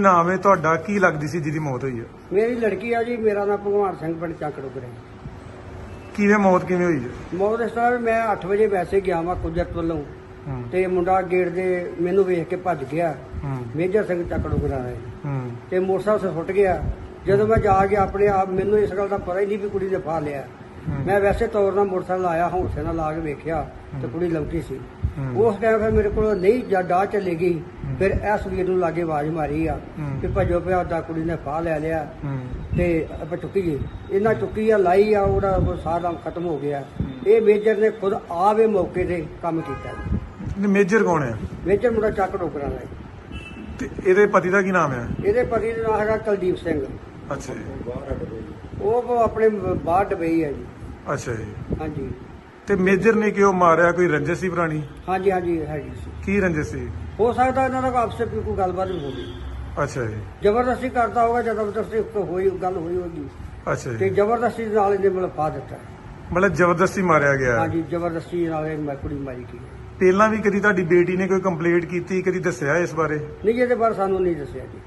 नाम है ਤੁਹਾਡਾ ਕੀ ਲੱਗਦੀ ਸੀ ਜਿਹਦੀ ਮੌਤ ਹੋਈ ਹੈ? ਮੇਰੀ ਲੜਕੀ ਆ ਜੀ। ਮੇਰਾ ਨਾਮ ਭਗਵਾਨ ਸਿੰਘ ਪਿੰਡ ਚੱਕ ਡੁਗਰੇ। ਕਿਵੇਂ ਮੌਤ ਕਿਵੇਂ ਹੋਈ ਹੈ? ਮੌਤ ਇਸ ਤਰ੍ਹਾਂ ਵੀ ਮੈਂ 8 ਵਜੇ ਵੈਸੇ ਗਿਆ ਵਾਂ ਕੁਦਰਤ ਵੱਲੋਂ ਤੇ ਮੁੰਡਾ ਗੇਟ ਦੇ ਮੈਨੂੰ ਵੇਖ ਕੇ ਭੱਜ ਗਿਆ। ਮੇਜਰ ਸਿੰਘ ਚੱਕ ਡੁਗਰਾ ਹੈ ਤੇ ਮੋਟਰਸਾਈਕਲ ਸੁੱਟ ਗਿਆ। ਜਦੋਂ ਮੈਂ ਜਾ ਕੇ ਆਪਣੇ ਆਪ ਮੈਨੂੰ ਇਸ ਗੱਲ ਦਾ ਪਤਾ ਹੀ ਨਹੀਂ ਵੀ ਕੁੜੀ ਨੇ ਫਾ ਲਿਆ। ਮੈਂ ਵੈਸੇ ਤੌਰ ਨਾਲ ਮੋਟਰਸਾਈਕਲ ਆਇਆ ਹੌਂਸੇ ਨਾਲ ਲਾ ਕੇ ਵੇਖਿਆ ਤੇ ਕੁੜੀ ਲੰਕੀ ਸੀ। ਉਸ ਟਾਈਮ ਫਿਰ ਮੇਰੇ ਕੋਲ ਨਹੀਂ ਡਾਹ ਚੱਲੇ ਗਈ। ਫਿਰ ਇਸ ਵੀਰ ਨੂੰ ਲਾਗੇ ਆਵਾਜ਼ ਮਾਰੀ ਆ ਕਿ ਭੱਜੋ ਪਿਆ ਦਾ ਕੁੜੀ ਨੇ ਫਾਹ ਲੈ ਲਿਆ ਤੇ ਆਪਾਂ ਚੁੱਕੀਏ। ਇਹਨਾਂ ਚੁੱਕੀ ਆ ਲਾਈ ਆ ਉਹਦਾ ਸਾਰਾ ਖਤਮ ਹੋ ਗਿਆ। ਇਹ ਮੇਜਰ ਨੇ ਖੁਦ ਆਵੇ ਮੌਕੇ ਤੇ ਕੰਮ ਕੀਤਾ। ਮੇਜਰ ਕੌਣ ਹੈ? ਮੇਜਰ ਮੁੰਡਾ ਚੱਕ ਡੋਕਰਾਂ ਦਾ। ਤੇ ਇਹਦੇ ਪਤੀ ਦਾ ਕੀ ਨਾਮ ਹੈ? ਇਹਦੇ ਪਤੀ ਦਾ ਨਾਮ ਹੈਗਾ ਕੁਲਦੀਪ ਸਿੰਘ। ਅੱਛਾ ਜੀ। ਉਹ ਆਪਣੇ ਬਾਹਰ ਡਬਈ ਆ ਜੀ। ਅੱਛਾ ਜੀ। ਹਾਂਜੀ। ਤੇ ਮੇਜਰ ਨੇ ਕਿਉਂ ਮਾਰਿਆ? ਕੋਈ ਰੰਜਿਸ਼ ਸੀ ਪੁਰਾਣੀ? ਹਾਂਜੀ ਹਾਂਜੀ ਹੈਗੀ ਸੀ। ਕੀ ਰੰਜਿਸ਼ ਸੀ? ਹੋ ਸਕਦਾ ਇਹਨਾਂ ਦਾ ਆਪਸੇ ਕੋਈ ਗੱਲਬਾਤ ਹੋ ਗਈ। ਅੱਛਾ ਜੀ। ਜ਼ਬਰਦਸਤੀ ਕਰਦਾ ਹੋਗਾ। ਜ਼ਬਰਦਸਤੀ ਹੋਈ ਗੱਲ ਹੋਈ ਹੋਗੀ ਅੱਛਾ ਤੇ ਜੀ। ਜ਼ਬਰਦਸਤੀ ਨਾਲ ਇਹਨੇ ਮਤਲਬ ਪਾ ਦਿੱਤਾ। ਮਤਲਬ ਜ਼ਬਰਦਸਤੀ ਮਾਰਿਆ ਗਿਆ? ਹਾਂਜੀ ਜ਼ਬਰਦਸਤੀ ਨਾਲ ਇਹ ਕੁੜੀ ਮਾਰੀ ਗਈ। ਪਹਿਲਾਂ ਵੀ ਕਦੀ ਤੁਹਾਡੀ ਬੇਟੀ ਨੇ ਕੋਈ ਕੰਪਲੇਂਟ ਕੀਤੀ, ਕਦੀ ਦੱਸਿਆ ਇਸ ਬਾਰੇ? ਨਹੀਂ ਇਹਦੇ ਬਾਰੇ ਸਾਨੂੰ ਨਹੀਂ ਦੱਸਿਆ ਜੀ।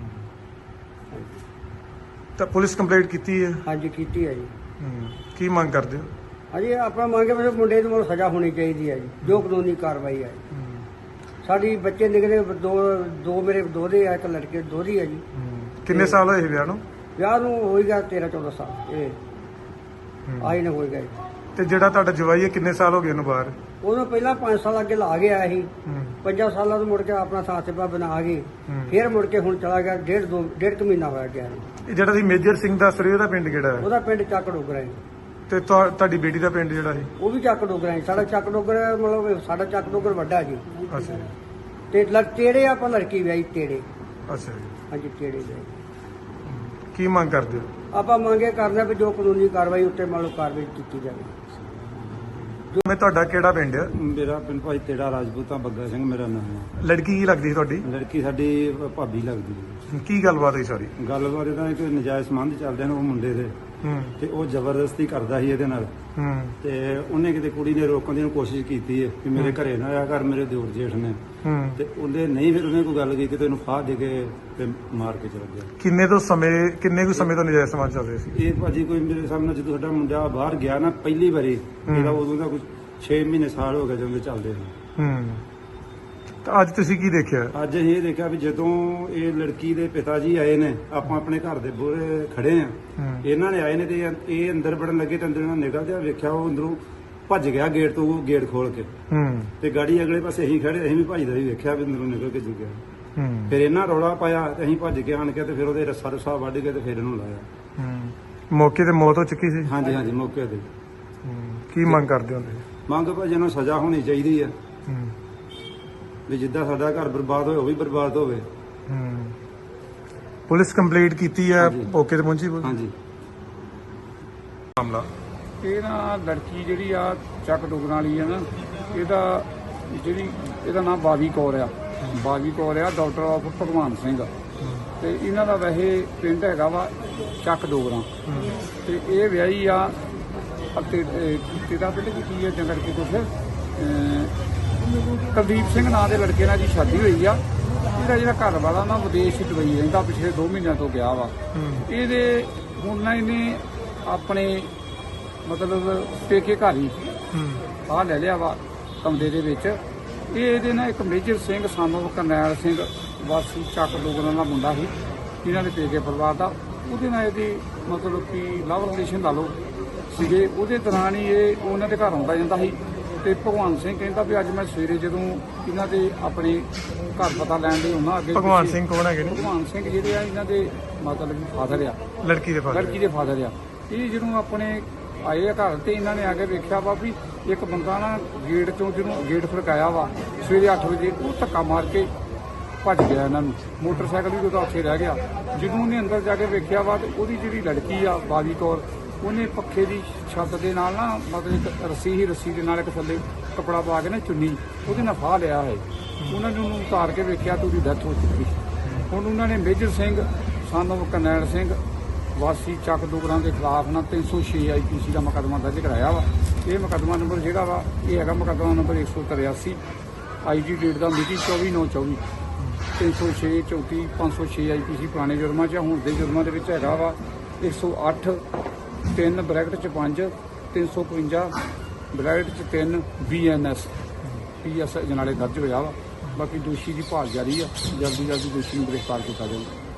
ਤਾਂ ਪੁਲਿਸ ਕੰਪਲੇਂਟ ਕੀਤੀ ਹੈ? ਹਾਂਜੀ ਕੀਤੀ ਹੈ ਜੀ। ਕੀ ਮੰਗ ਕਰਦੇ ਹੋ? ਹਾਂਜੀ ਆਪਣਾ ਮੰਗੇ ਵੀ ਮੁੰਡੇ ਨੂੰ ਸਜ਼ਾ ਹੋਣੀ ਚਾਹੀਦੀ ਹੈ ਜੀ, ਜੋ ਕਾਨੂੰਨੀ ਕਾਰਵਾਈ ਹੈ। ਸਾਡੀ ਬੱਚੇ ਨਿਕਲੇ ਦੋ ਮੇਰੇ ਦੋਹਰੇ ਆ, ਇੱਕ ਲੜਕੇ ਦੋਹਰੀ ਹੈ ਜੀ। ਕਿੰਨੇ ਸਾਲ ਹੋਏ ਵਿਆਹ ਨੂੰ? ਵਿਆਹ ਨੂੰ ਹੋਏਗਾ 13-14 ਸਾਲ। ਇਹ ਆਈ ਨਾ ਹੋਏਗਾ ਜੀ। ਤੇ ਜਿਹੜਾ ਤੁਹਾਡਾ ਜਵਾਈ ਹੈ ਕਿੰਨੇ ਸਾਲ ਹੋ ਗਏ ਉਹਨੂੰ ਬਾਹਰ? ਉਹਨੂੰ ਪਹਿਲਾਂ 5 ਸਾਲ ਅੱਗੇ ਲਾ ਗਿਆ ਸੀ। 5 ਸਾਲਾਂ ਤੋਂ ਮੁੜ ਕੇ ਆਪਣਾ ਸਾਥ-ਸਿਪਾ ਬਣਾ ਕੇ ਫਿਰ ਮੁੜ ਕੇ ਹੁਣ ਚਲਾ ਗਿਆ। ਡੇਢ ਕੁ ਮਹੀਨਾ ਹੋਇਆ ਗਿਆ। ਇਹ ਜਿਹੜਾ ਸੀ ਮੇਜਰ ਸਿੰਘ ਦੱਸ ਰਹੇ ਉਹਦਾ ਪਿੰਡ ਕਿਹੜਾ ਹੈ? ਉਹਦਾ ਪਿੰਡ ਚੱਕ ਡੋਗਰਾ ਹੈ। ਤੇ ਤੁਹਾਡੀ ਬੇਟੀ ਦਾ ਪਿੰਡ ਜਿਹੜਾ ਸੀ? ਉਹ ਵੀ ਚੱਕ ਡੋਗਰਾ ਹੈ। ਸਾਡਾ ਚੱਕ ਡੋਗਰਾ ਮਤਲਬ ਸਾਡਾ ਚੱਕ ਡੋਗਰ ਵੱਡਾ ਜੀ। ਅੱਛਾ ਜੀ। ਤੇ ਤੇੜੇ ਆਪਾਂ ਲੜਕੀ ਵਿਆਹੀ ਤੇੜੇ। ਅੱਛਾ ਜੀ। ਹਾਂਜੀ ਤੇੜੇ ਵਿਆਹੀ। ਕੀ ਮੰਗ ਕਰਦੇ ਹੋ? ਆਪਾਂ ਮੰਗੇ ਕਰਦੇ ਵੀ ਜੋ ਕਾਨੂੰਨੀ ਕਾਰਵਾਈ ਉੱਤੇ ਮੰਨ ਲਓ ਕਾਰਵਾਈ ਕੀਤੀ ਜਾਵੇ। ਮੈਂ ਤੁਹਾਡਾ ਕਿਹੜਾ ਪਿੰਡ ਹੈ? ਮੇਰਾ ਪਿੰਡ ਭਾਈ ਤੇੜਾ ਰਾਜਪੂਤਾਂ ਬੱਗਾ ਸਿੰਘ ਮੇਰਾ ਨਾਮ ਹੈ। ਲੜਕੀ ਕੀ ਲੱਗਦੀ ਸੀ ਤੁਹਾਡੀ? ਲੜਕੀ ਸਾਡੀ ਭਾਬੀ ਲੱਗਦੀ ਹੈ। ਕੀ ਗੱਲਬਾਤ ਹੋਈ ਸਾਰੀ? ਗੱਲਬਾਤ ਇਹਦਾ ਕੋਈ ਨਜਾਇਜ਼ ਸੰਬੰਧ ਚੱਲਦੇ ਨੇ ਉਹ ਮੁੰਡੇ ਦੇ ਤੇ ਉਹ ਜ਼ਬਰਦਸਤੀ ਕਰਦਾ ਸੀ ਇਹਦੇ ਨਾਲ। ਤੇ ਉਹਨੇ ਕਿਤੇ ਕੁੜੀ ਨੇ ਰੋਕਣ ਦੀ ਕੋਸ਼ਿਸ਼ ਕੀਤੀ ਹੈ ਕਿ ਮੇਰੇ ਘਰੇ ਨਾ ਆਇਆ ਕਰ, ਮੇਰੇ ਦਿਓਰ ਜੇਠ ਨੇ। ਤੇ ਉਹਦੇ ਨਹੀਂ, ਫਿਰ ਉਹਨੇ ਕੋਈ ਗੱਲ ਕੀਤੀ ਤੇ ਉਹਨੂੰ ਫਾਹ ਦੇ ਕੇ ਤੇ ਮਾਰ ਕੇ ਚਲਾ ਗਿਆ। ਕਿੰਨੇ ਕੁ ਸਮੇਂ ਤੋਂ ਨਜਾਇਜ਼ ਸਮਾਜ ਚੱਲ ਰਹੇ ਸੀ? ਇਹ ਭਾਜੀ ਕੋਈ ਮੇਰੇ ਸਾਹਮਣੇ ਜਦੋਂ ਸਾਡਾ ਮੁੰਡਾ ਬਾਹਰ ਗਿਆ ਨਾ ਪਹਿਲੀ ਵਾਰੀ, ਇਹਦਾ ਉਦੋਂ ਦਾ ਕੁਝ 6 ਮਹੀਨੇ ਸਾਲ ਹੋ ਗਏ ਜਦੋਂ ਦੇ ਚੱਲਦੇ ਨੇ। ਤਾਂ ਅੱਜ ਤੁਸੀਂ ਕੀ ਦੇਖਿਆ? ਅੱਜ ਅਸੀਂ ਇਹ ਦੇਖਿਆ ਵੀ ਜਦੋਂ ਇਹ ਲੜਕੀ ਦੇ ਪਿਤਾ ਜੀ ਆਏ ਨੇ, ਆਪਾਂ ਆਪਣੇ ਘਰ ਦੇ ਬੂਹਰੇ ਖੜੇ ਆ, ਇਹਨਾਂ ਨੇ ਆਏ ਨੇ ਤੇ ਇਹ ਅੰਦਰ ਵੜਨ ਲੱਗੇ ਤੇ ਅੰਦਰ ਨਿਕਲਦੇ ਆ ਵੇਖਿਆ ਉਹ ਅੰਦਰੋਂ ਭੱਜ ਗਿਆ ਗੇਟ ਤੋਂ, ਗੇਟ ਖੋਲ ਕੇ। ਤੇ ਗਾੜੀ ਅਗਲੇ ਪਾਸੇ ਅਸੀਂ ਖੜੇ, ਅਸੀਂ ਵੀ ਭੱਜਦਾ ਵੀ ਵੇਖਿਆ ਵੀ ਅੰਦਰੋਂ ਨਿਕਲ ਕੇ ਗਿਆ। ਫਿਰ ਇਹਨਾਂ ਰੌਲਾ ਪਾਇਆ ਤੇ ਅਸੀਂ ਭੱਜ ਕੇ ਆਣ ਕੇ ਤੇ ਫਿਰ ਉਹਦੇ ਰੱਸਾ ਵੱਢ ਕੇ ਤੇ ਫਿਰ ਇਹਨੂੰ ਲਾਇਆ। ਮੌਕੇ ਤੇ ਮੌਤ ਹੋ ਚੁੱਕੀ ਸੀ? ਹਾਂਜੀ ਹਾਂਜੀ ਮੌਕੇ ਤੇ। ਕੀ ਮੰਗ ਕਰਦੇ ਹੋ? ਮੰਗ ਭਾਜੀ ਨੂੰ ਸਜ਼ਾ ਹੋਣੀ ਚਾਹੀਦੀ ਆ ਵੀ ਜਿੱਦਾਂ ਸਾਡਾ ਘਰ ਬਰਬਾਦ ਹੋਇਆ ਉਹ ਵੀ ਬਰਬਾਦ ਹੋਵੇ। ਪੁਲਿਸ ਕੰਪਲੀਟ ਕੀਤੀ ਹੈ? ਮੌਕੇ ਤੇ ਪਹੁੰਚੀ? ਹਾਂਜੀ। ਮਾਮਲਾ ਇਹ ਨਾ ਲੜਕੀ ਜਿਹੜੀ ਆ ਚੱਕ ਡੁਗਰਾਂ ਵਾਲੀ ਆ ਨਾ, ਇਹਦਾ ਨਾਮ ਬਾਵੀ ਕੌਰ ਆ। ਬਾਵੀ ਕੌਰ ਆ ਡਾਕਟਰ ਆਫ ਭਗਵਾਨ ਸਿੰਘ। ਤੇ ਇਹਨਾਂ ਦਾ ਵੈਸੇ ਪਿੰਡ ਹੈਗਾ ਵਾ ਚੱਕ ਡੋਗਰਾਂ। ਤੇ ਇਹ ਵਿਆਹੀ ਆ ਤੇਰਾ ਪਿੰਡ ਕੀ ਹੈ ਜਾਂ ਲੜਕੀ ਕੁਛ ਕੁਲਦੀਪ ਸਿੰਘ ਨਾਂ ਦੇ ਲੜਕੇ ਨਾਲ ਜੀ ਸ਼ਾਦੀ ਹੋਈ ਆ। ਇਹਦਾ ਜਿਹੜਾ ਘਰ ਵਾਲਾ ਨਾ ਵਿਦੇਸ਼ ਦੁਬਈ ਰਹਿੰਦਾ, ਪਿਛਲੇ 2 ਮਹੀਨਿਆਂ ਤੋਂ ਗਿਆ ਵਾ। ਇਹਦੇ ਹੁਣ ਨਾ ਇਹਨੇ ਆਪਣੇ ਮਤਲਬ ਪੇਕੇ ਘਰ ਹੀ ਆਹ ਲੈ ਲਿਆ ਵਾ ਕਮਰੇ ਦੇ ਵਿੱਚ। ਇਹਦੇ ਨਾਲ ਇੱਕ ਮੇਜਰ ਸਿੰਘ ਸਾਨੂੰ ਕਰਨੈਲ ਸਿੰਘ ਵਾਸੀ ਚੱਕ ਡੋਗਰਾਂ ਦਾ ਮੁੰਡਾ ਸੀ, ਇਹਨਾਂ ਦੇ ਪੇਕੇ ਪਰਿਵਾਰ ਦਾ। ਉਹਦੇ ਨਾਲ ਇਹਦੀ ਮਤਲਬ ਕਿ ਲਵ ਰਿਲੇਸ਼ਨ ਲਾ ਲਓ ਸੀਗੇ। ਉਹਦੇ ਦੌਰਾਨ ਹੀ ਇਹ ਉਹਨਾਂ ਦੇ ਘਰ ਆਉਂਦਾ ਜਾਂਦਾ ਸੀ। ਤੇ ਭਗਵਾਨ ਸਿੰਘ ਕਹਿੰਦਾ ਵੀ ਅੱਜ ਮੈਂ ਸਵੇਰੇ ਜਦੋਂ ਇਹਨਾਂ ਦੇ ਆਪਣੇ ਘਰ ਪਤਾ ਲੈਣ ਲਈ ਉਹਨਾਂ ਅੱਗੇ। ਭਗਵਾਨ ਸਿੰਘ ਕੌਣ ਹੈਗੇ ਨੇ? ਭਗਵਾਨ ਸਿੰਘ ਜਿਹੜੇ ਆ ਇਹਨਾਂ ਦੇ ਮਤਲਬ ਫਾਦਰ ਆ, ਲੜਕੀ ਦੇ ਫਾਦਰ ਆ। ਇਹ ਜਦੋਂ ਆਪਣੇ ਆਏ ਆ ਘਰ ਤੇ ਇਹਨਾਂ ਨੇ ਆ ਕੇ ਵੇਖਿਆ ਵਾ ਵੀ ਇੱਕ ਬੰਦਾ ਨਾ ਗੇਟ ਚੋਂ ਜਿਹਨੂੰ ਗੇਟ ਫੜਕਾਇਆ ਵਾ ਸਵੇਰੇ 8 ਵਜੇ, ਉਹ ਧੱਕਾ ਮਾਰ ਕੇ ਭੱਜ ਗਿਆ ਇਹਨਾਂ ਨੂੰ। ਮੋਟਰਸਾਈਕਲ ਵੀ ਉਹਦਾ ਉੱਥੇ ਰਹਿ ਗਿਆ। ਜਦੋਂ ਉਹਨੇ ਅੰਦਰ ਜਾ ਕੇ ਵੇਖਿਆ ਵਾ ਤੇ ਉਹਦੀ ਜਿਹੜੀ ਲੜਕੀ ਆ ਬਾਵੀ ਕੌਰ, ਉਹਨੇ ਪੱਖੇ ਦੀ ਛੱਤ ਦੇ ਨਾਲ ਨਾ ਮਤਲਬ ਇੱਕ ਰੱਸੀ ਦੇ ਨਾਲ ਇੱਕ ਥੱਲੇ ਕੱਪੜਾ ਪਾ ਕੇ ਨਾ ਚੁੰਨੀ ਉਹਦੇ ਨਾਲ ਫਾਹ ਲਿਆ ਹੈ। ਉਹਨਾਂ ਨੇ ਉਹਨੂੰ ਉਤਾਰ ਕੇ ਵੇਖਿਆ ਤੇ ਉਹਦੀ ਡੈਥ ਹੋ ਚੁੱਕੀ। ਹੁਣ ਉਹਨਾਂ ਨੇ ਮੇਜਰ ਸਿੰਘ ਸਾਨੂੰ ਕਰਨੈਲ ਸਿੰਘ ਵਾਸੀ ਚੱਕ ਡੋਗਰਾਂ ਦੇ ਖਿਲਾਫ ਨਾ 306 IPC ਦਾ ਮੁਕੱਦਮਾ ਦਰਜ ਕਰਾਇਆ ਵਾ। ਇਹ ਮੁਕੱਦਮਾ ਨੰਬਰ ਜਿਹੜਾ ਵਾ ਇਹ ਹੈਗਾ ਮੁਕੱਦਮਾ ਨੰਬਰ 183 IG ਡੇਟ ਦਾ ਮਿਤੀ 24/9/24। 306 34 506 IPC ਪੁਰਾਣੇ ਜੁਰਮਾਂ 'ਚ ਆ। ਹੁਣ ਦੇ ਜੁਰਮਾਂ ਦੇ ਵਿੱਚ ਹੈਗਾ ਵਾ 108 3 ਬ੍ਰੈਕਟ 'ਚ 5 355 ਬ੍ਰੈਕਟ 'ਚ 3 BNS PS ਅਜਨਾਲੇ ਦਰਜ ਹੋਇਆ ਵਾ। ਬਾਕੀ ਦੋਸ਼ੀ ਦੀ ਭਾਲ ਜਾਰੀ ਆ, ਜਲਦੀ ਦੋਸ਼ੀ ਨੂੰ ਗ੍ਰਿਫਤਾਰ ਕੀਤਾ ਜਾਊਗਾ।